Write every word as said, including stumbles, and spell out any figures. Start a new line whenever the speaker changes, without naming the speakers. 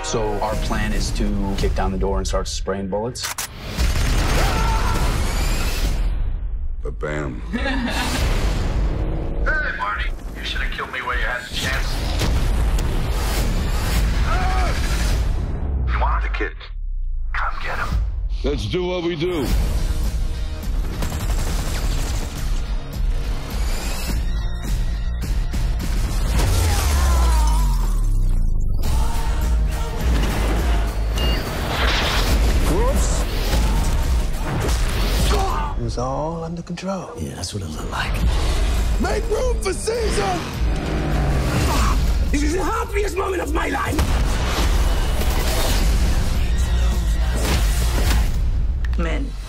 So our plan is to kick down the door and start spraying bullets.
Ba-bam.
Hey, Marty. You should have killed me while you had the chance. You wanted the kid? Come get him.
Let's do what we do.
Whoops. It was all under control.
Yeah, that's what it looked like.
Make room for Caesar!
This is the happiest moment of my life!
Men.